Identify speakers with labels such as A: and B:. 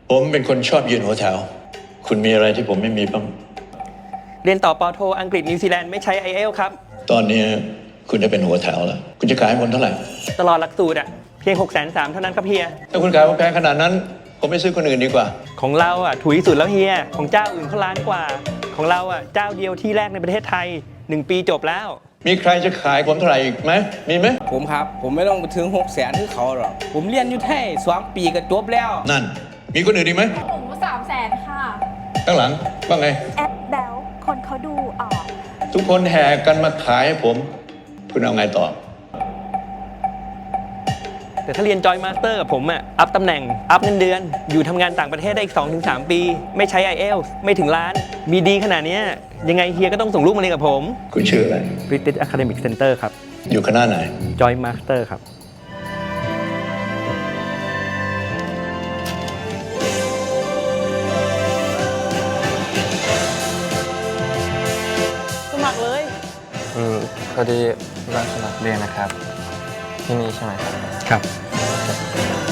A: ผมเป็นคนชอบยืนหัวแถวคุณมีอะไรที่ผมไม่มีบ้าง
B: เรียนต่อปอโทอังกฤษนิวซีแลนด์ไม่ใช้ IELTS ครับ
A: ตอนนี้คุณจะเป็นหัวแถวแล้วคุณจะขายคนเท่าไหร่
B: ตลอดหลักสูตรอะเพียง 630,000 เท่านั้นครับเฮีย
A: ถ้าคุณขายผมแพงขนาดนั้นผมไม่ซื้อคนอื่นดีกว่า
B: ของเราอะถูกที่สุดแล้วเฮียของเจ้าอื่นเขาล้านกว่าของเราอะเจ้าเดียวที่แรกในประเทศไทย1 ปีจบแล้ว
A: มีใครจะขายผมเท่าไหร่อีกไหมมีไหม
C: ผมครับผมไม่ต้องถึง600,000ที่เขาหรอกผมเรียนอยู่ไทย2 ปีก็จบแล้ว
A: นั่นมีคนอื่นอีกไหม
D: ผม300,000ค่ะ
A: ข้างหลังว่าไง
D: แอปแบลคนเขาดูออก
A: ทุกคนแห่กันมาขายให้ผมคุณเอาไงต่อ
B: แต่ถ้าเรียนจอยมาสเตอร์กับผมอะอัพตำแหน่งอัพเงินเดือนอยู่ทำงานต่างประเทศได้อีก 2-3 ปีไม่ใช้ IELTS ไม่ถึงล้านมีดีขนาดนี้ยังไงเฮียก็ต้องส่งลูกมาเรียนกับผม
A: คุณชื่ออะไร
B: British Academic Center ครับ
A: อยู่คณะไหน
B: Joy Master ครับสมัครเลย
E: พอดีรังสมัครเรียนนะครับที่นี่ใช่ไหมครับ
B: ครับ